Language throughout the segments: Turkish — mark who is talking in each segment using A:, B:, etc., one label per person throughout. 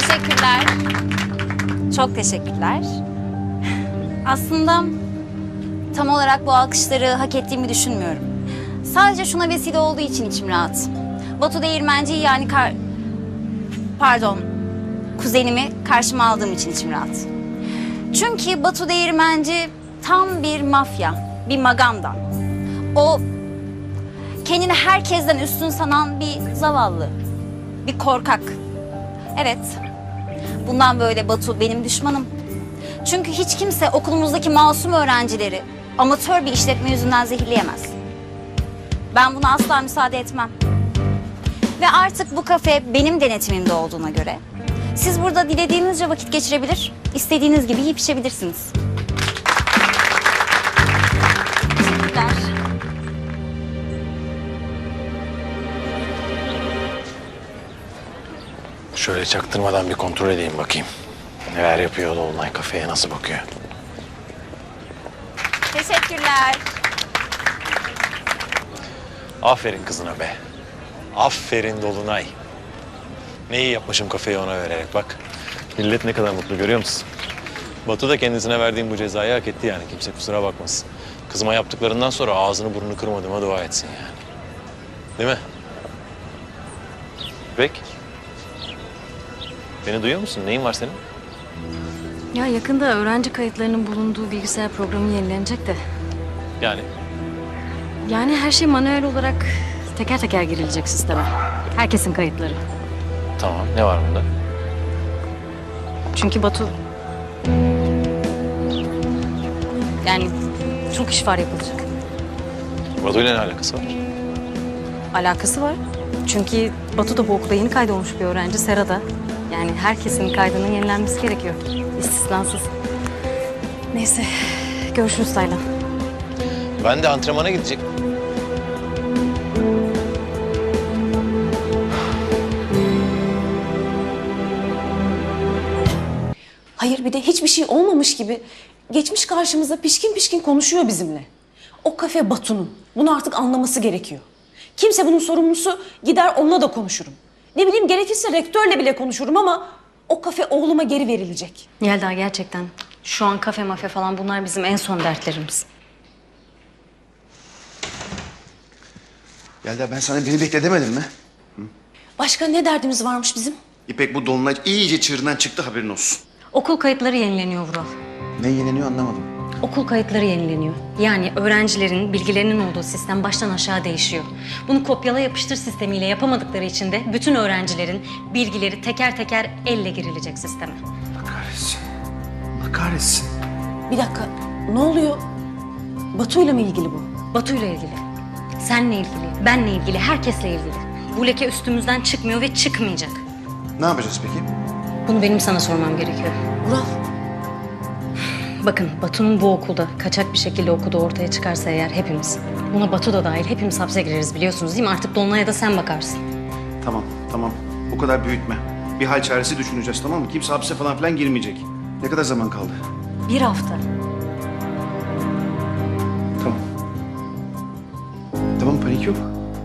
A: Teşekkürler. Çok teşekkürler. Aslında tam olarak bu alkışları hak ettiğimi düşünmüyorum. Sadece şuna vesile olduğu için içim rahat. Batu Değirmenci'yi yani kuzenimi karşıma aldığım için içim rahat. Çünkü Batu Değirmenci tam bir mafya, bir maganda. O kendini herkesten üstün sanan bir zavallı, bir korkak. Evet, bundan böyle Batu benim düşmanım. Çünkü hiç kimse okulumuzdaki masum öğrencileri amatör bir işletme yüzünden zehirleyemez. Ben buna asla müsaade etmem. Ve artık bu kafe benim denetimimde olduğuna göre siz burada dilediğinizce vakit geçirebilir, istediğiniz gibi yiyip içebilirsiniz. Teşekkürler.
B: Şöyle çaktırmadan bir kontrol edeyim bakayım. Neler yapıyor Dolunay, kafeye nasıl bakıyor?
A: Teşekkürler.
B: Aferin kızına be. Aferin Dolunay. Ne iyi yapmışım kafeyi ona vererek bak. Millet ne kadar mutlu görüyor musun? Batu da kendisine verdiğim bu cezayı hak etti yani. Kimse kusura bakmasın. Kızıma yaptıklarından sonra ağzını burnunu kırmadığıma dua etsin yani. Değil mi? Peki. Beni duyuyor musun? Neyin var senin?
C: Ya yakında öğrenci kayıtlarının bulunduğu bilgisayar programı yenilenecek de.
B: Yani
C: Yani her şey manuel olarak teker teker girilecek sisteme. Herkesin kayıtları.
B: tamam. Ne var bunda?
C: Çünkü Batu... Yani çok iş var yapılacak.
B: Batu'yla ne alakası var?
C: Alakası var. Çünkü Batu da bu okulda yeni kaydolmuş bir öğrenci. Sera da. Yani herkesin kaydının yenilenmesi gerekiyor. İstisnasız. Neyse. Görüşürüz Taylan.
B: Ben de antrenmana gidecek.
D: Hayır bir de hiçbir şey olmamış gibi geçmiş karşımıza pişkin pişkin konuşuyor bizimle. O kafe Batu'nun. Bunu artık anlaması gerekiyor. Kimse bunun sorumlusu gider onunla da konuşurum. Ne bileyim gerekirse rektörle bile konuşurum ama o kafe oğluma geri verilecek.
C: Yelda gerçekten şu an kafe mafya falan bunlar bizim en son dertlerimiz.
E: Yelda ben sana beni bekle demedim mi?
D: Başka ne derdimiz varmış bizim?
E: İpek bu Dolunay iyice çığırından çıktı haberin olsun.
C: Okul kayıtları yenileniyor Vural.
E: Ne yeniliyor anlamadım.
C: Okul kayıtları yenileniyor. Yani öğrencilerin bilgilerinin olduğu sistem baştan aşağı değişiyor. Bunu kopyala yapıştır sistemiyle yapamadıkları için de bütün öğrencilerin bilgileri teker teker elle girilecek sisteme.
E: Allah kahretsin. Allah kahretsin.
D: Bir dakika ne oluyor? Batu'yla mı ilgili bu?
C: Batu'yla ilgili, seninle ilgili, benle ilgili, herkesle ilgili. Bu leke üstümüzden çıkmıyor ve çıkmayacak.
E: Ne yapacağız peki?
C: Bunu benim sana sormam gerekiyor.
D: Vural
C: Bakın Batu'nun bu okulda kaçak bir şekilde okuduğu ortaya çıkarsa eğer hepimiz, buna Batu da dahil hepimiz hapse gireriz biliyorsunuz değil mi? Artık Dolunay'a da sen bakarsın.
E: Tamam. Bu kadar büyütme. Bir hal çaresi düşüneceğiz tamam mı? Kimse hapse falan filan girmeyecek. Ne kadar zaman kaldı?
C: 1 hafta.
E: Tamam. Tamam panik yok.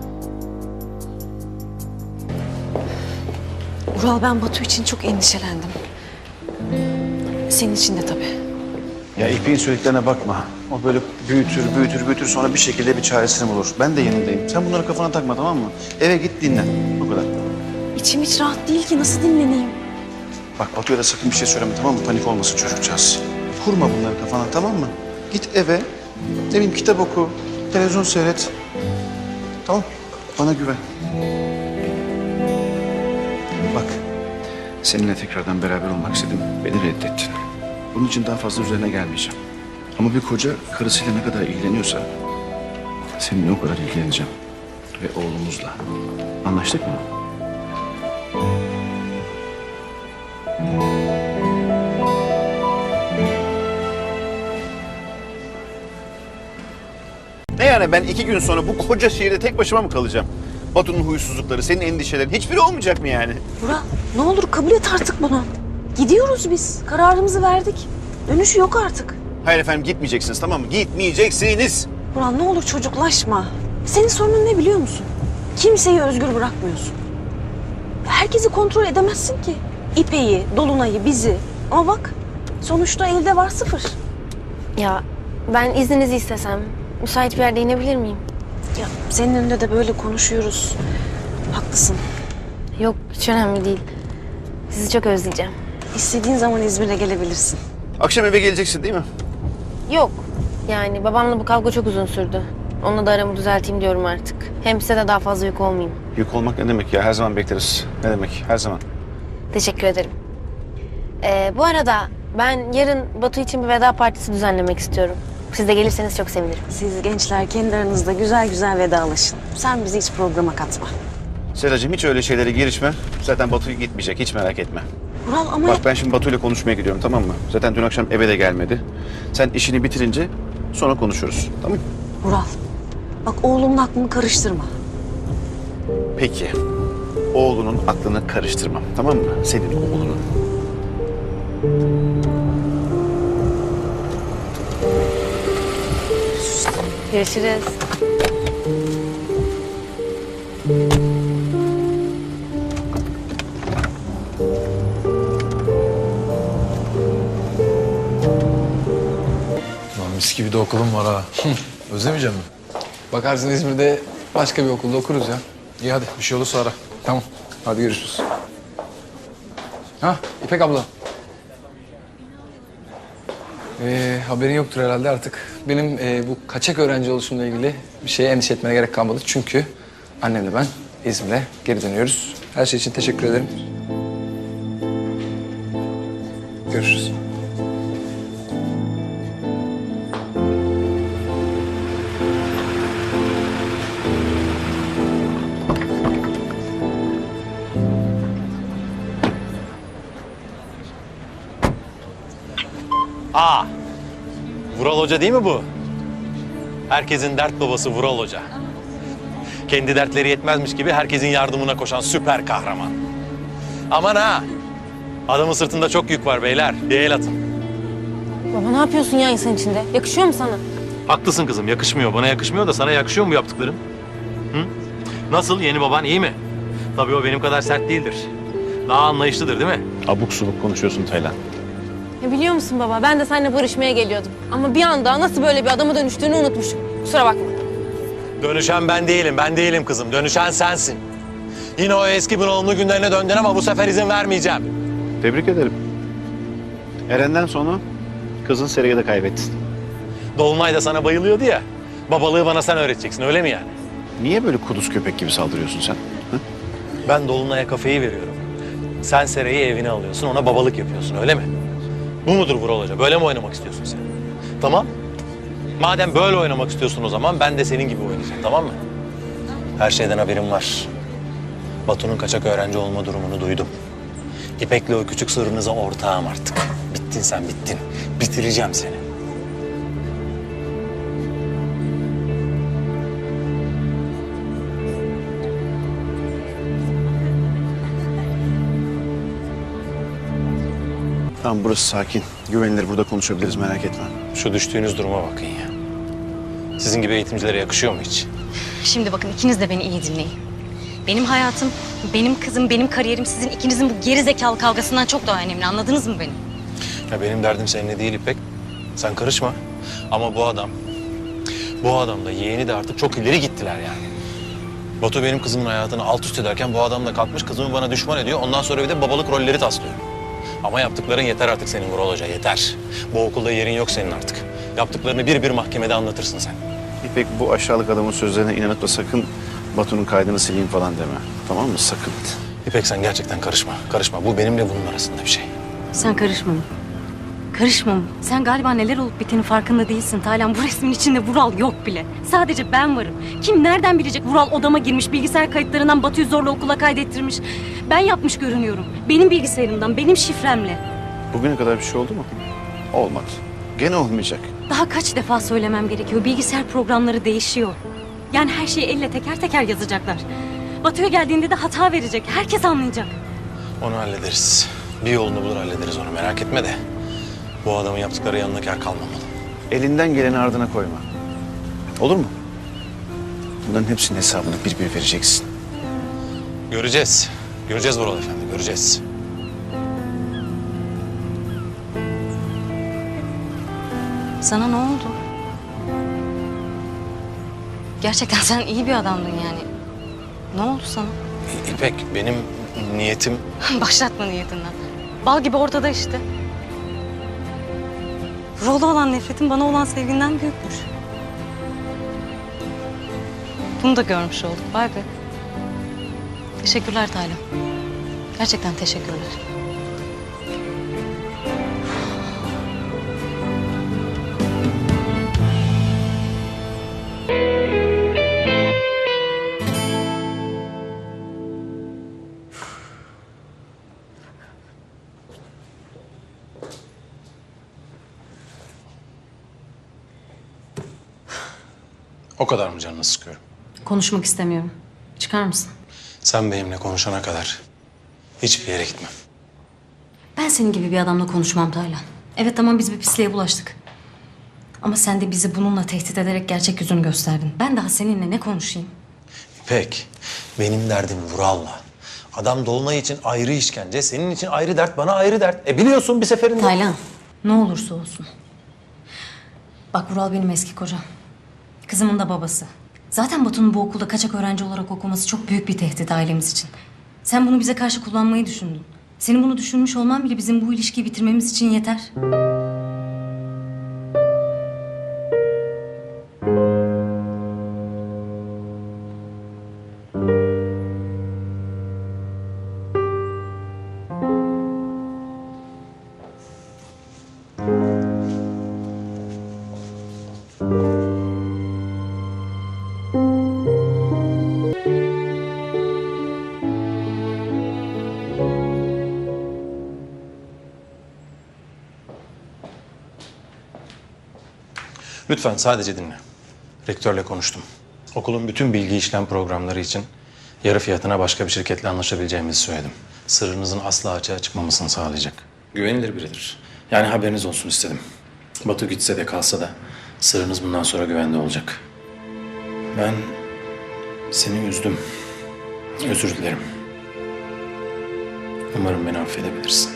D: Vural ben Batu için çok endişelendim. Senin için de tabii.
E: Ya İpek'in söylediklerine bakma. O böyle büyütür sonra bir şekilde bir çaresini bulur. Ben de yanındayım. Sen bunları kafana takma tamam mı? Eve git dinlen. Bu kadar.
D: İçim hiç rahat değil ki nasıl dinleneyim?
E: Bak Batu'ya da sakın bir şey söyleme tamam mı? Panik olmasın çocukcağız. Kurma bunları kafana tamam mı? Git eve, ne bileyim kitap oku, televizyon seyret. Tamam, bana güven. Bak, seninle tekrardan beraber olmak istedim. Beni reddettin. Bunun için daha fazla üzerine gelmeyeceğim. Ama bir koca karısıyla ne kadar ilgileniyorsa seninle o kadar ilgileneceğim. Ve oğlumuzla. Anlaştık mı? Ne yani ben 2 gün sonra bu koca şehirde tek başıma mı kalacağım? Batu'nun huysuzlukları, senin endişelerin hiçbiri olmayacak mı yani?
D: Vural ne olur kabul et artık bunu. Gidiyoruz biz. Kararımızı verdik. Dönüşü yok artık.
E: Hayır efendim gitmeyeceksiniz tamam mı? Gitmeyeceksiniz.
D: Vural ne olur çocuklaşma. Senin sorunun ne biliyor musun? Kimseyi özgür bırakmıyorsun. Herkesi kontrol edemezsin ki. İpek'i, Dolunay'ı, bizi. Ama bak sonuçta elde var 0.
F: Ya ben izninizi istesem müsait bir yerde inebilir miyim?
D: Ya senin önünde de böyle konuşuyoruz. Haklısın.
F: Yok hiç önemli değil. Sizi çok özleyeceğim.
D: İstediğin zaman İzmir'e gelebilirsin.
E: Akşam eve geleceksin değil mi?
F: Yok. Yani babamla bu kavga çok uzun sürdü. Onunla da aramı düzelteyim diyorum artık. Hem size de daha fazla yük olmayayım.
E: Yük olmak ne demek ya? Her zaman bekleriz. Ne demek? Her zaman.
F: Teşekkür ederim. Bu arada ben yarın Batu için bir veda partisi düzenlemek istiyorum. Siz de gelirseniz çok sevinirim.
D: Siz gençler kendi aranızda güzel güzel vedalaşın. Sen bizi hiç programa katma.
E: Seracığım hiç öyle şeylere girişme. Zaten Batu gitmeyecek. Hiç merak etme.
D: Vural ama
E: Bak ben şimdi Batu ile konuşmaya gidiyorum, tamam mı? Zaten dün akşam eve de gelmedi. Sen işini bitirince sonra konuşuruz. Tamam mı?
D: Vural, bak oğlumun aklını karıştırma.
E: Peki. Oğlunun aklını karıştırmam. Tamam mı? Senin oğlunun.
F: Görüşürüz.
G: Lan mis gibi de okulum var ha. Özlemeyeceğim mi? Bakarsın İzmir'de başka bir okulda okuruz ya. İyi hadi bir şey olursa ara. Tamam. Hadi görüşürüz. Ha İpek abla. Haberin yoktur herhalde artık. Benim bu kaçak öğrenci oluşumla ilgili bir şeye endişe etmene gerek kalmadı. Çünkü annemle ben İzmir'e geri dönüyoruz. Her şey için teşekkür ederim. Görüşürüz.
B: Aa, Vural Hoca değil mi bu? Herkesin dert babası Vural Hoca. Kendi dertleri yetmezmiş gibi herkesin yardımına koşan süper kahraman. Aman ha! Adamın sırtında çok yük var beyler. Bir el atın.
F: Baba ne yapıyorsun ya insan içinde? Yakışıyor mu sana?
B: Haklısın kızım, yakışmıyor. Bana yakışmıyor da sana yakışıyor mu yaptıklarım? Hı? Nasıl, yeni baban iyi mi? Tabii o benim kadar sert değildir. Daha anlayışlıdır değil mi?
E: Abuk subuk konuşuyorsun Taylan.
F: Ya biliyor musun baba ben de seninle barışmaya geliyordum. Ama bir anda nasıl böyle bir adama dönüştüğünü unutmuşum. Kusura bakma.
B: Dönüşen ben değilim kızım. Dönüşen sensin. Yine o eski bunalımlı günlerine döndün ama bu sefer izin vermeyeceğim.
E: Tebrik ederim. Eren'den sonra kızın Sera'yı da kaybettin.
B: Dolunay da sana bayılıyordu ya. Babalığı bana sen öğreteceksin, öyle mi yani?
E: Niye böyle kuduz köpek gibi saldırıyorsun sen? Hı?
B: Ben Dolunay'a kafeyi veriyorum. Sen Sera'yı evine alıyorsun, ona babalık yapıyorsun, öyle mi? Bu mudur Vural Hoca? Böyle mi oynamak istiyorsun sen? Tamam. Madem böyle oynamak istiyorsun o zaman ben de senin gibi oynayacağım, tamam mı? Her şeyden haberim var. Batu'nun kaçak öğrenci olma durumunu duydum. İpek'le o küçük sırrınıza ortağım artık. Bittin sen, bittin. Bitireceğim seni.
E: Tamam burası sakin. Güvenilir, burada konuşabiliriz, merak etme.
B: Şu düştüğünüz duruma bakın ya. Sizin gibi eğitimcilere yakışıyor mu hiç?
C: Şimdi bakın ikiniz de beni iyi dinleyin. Benim hayatım, benim kızım, benim kariyerim sizin ikinizin bu geri zekalı kavgasından çok daha önemli. Anladınız mı beni?
B: Ya benim derdim seninle değil İpek. Sen karışma. Ama bu adam da yeğeni de artık çok ileri gittiler yani. Batu benim kızımın hayatını alt üst ederken bu adam da kalkmış kızımı bana düşman ediyor. Ondan sonra bir de babalık rolleri taslıyor. Ama yaptıkların yeter artık senin Vural Hoca, yeter. Bu okulda yerin yok senin artık. Yaptıklarını bir bir mahkemede anlatırsın sen.
E: İpek bu aşağılık adamın sözlerine inanıp da sakın Batu'nun kaydını sileyim falan deme. Tamam mı? Sakın.
B: İpek sen gerçekten karışma. Karışma. Bu benimle bunun arasında bir şey.
C: Sen karışma mı? Karışma mı? Sen galiba neler olup bittiğinin farkında değilsin Taylan. Bu resmin içinde Vural yok bile. Sadece ben varım. Kim nereden bilecek Vural odama girmiş, bilgisayar kayıtlarından Batu'yu zorla okula kaydettirmiş. Ben yapmış görünüyorum. Benim bilgisayarımdan, benim şifremle.
E: Bugüne kadar bir şey oldu mu? Olmadı. Gene olmayacak.
C: Daha kaç defa söylemem gerekiyor. Bilgisayar programları değişiyor. Yani her şeyi elle teker teker yazacaklar. Batu'ya geldiğinde de hata verecek. Herkes anlayacak.
B: Onu hallederiz. Bir yolunu bulur hallederiz onu, merak etme de. Bu adamın yaptıkları yanına kâr kalmamalı.
E: Elinden geleni ardına koyma. Olur mu? Bunların hepsinin hesabını bir bir vereceksin.
B: Göreceğiz. Göreceğiz Vural Efendi, göreceğiz.
C: Sana ne oldu? Gerçekten sen iyi bir adamdın yani. Ne oldu sana?
B: İpek, benim niyetim...
C: Başlatma niyetinden. Bal gibi ortada işte. Vural'a olan nefretin bana olan sevginden büyükmüş. Bunu da görmüş olduk. Vay be. Teşekkürler Taylan. Gerçekten teşekkürler.
B: O kadar mı canını sıkıyorum?
C: Konuşmak istemiyorum. Çıkar mısın?
B: Sen benimle konuşana kadar hiçbir yere gitmem.
C: Ben senin gibi bir adamla konuşmam Taylan. Evet tamam biz bir pisliğe bulaştık. Ama sen de bizi bununla tehdit ederek gerçek yüzünü gösterdin. Ben daha seninle ne konuşayım?
B: İpek, benim derdim Vural'la. Adam Dolunay için ayrı işkence, senin için ayrı dert, bana ayrı dert. Biliyorsun bir seferinde...
C: Taylan ne olursa olsun. Bak Vural benim eski kocam. Kızımın da babası. Zaten Batu'nun bu okulda kaçak öğrenci olarak okuması çok büyük bir tehdit ailemiz için. Sen bunu bize karşı kullanmayı düşündün. Senin bunu düşünmüş olman bile bizim bu ilişkiyi bitirmemiz için yeter.
B: Lütfen sadece dinle. Rektörle konuştum. Okulun bütün bilgi işlem programları için yarı fiyatına başka bir şirketle anlaşabileceğimizi söyledim. Sırrınızın asla açığa çıkmamasını sağlayacak. Güvenilir biridir. Yani haberiniz olsun istedim. Batu gitse de kalsa da sırrınız bundan sonra güvende olacak. Ben seni üzdüm. Özür dilerim. Umarım beni affedebilirsin.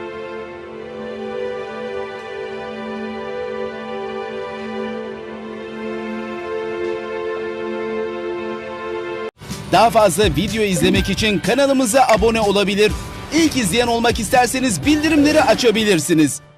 H: Daha fazla video izlemek için kanalımıza abone olabilir. İlk izleyen olmak isterseniz bildirimleri açabilirsiniz.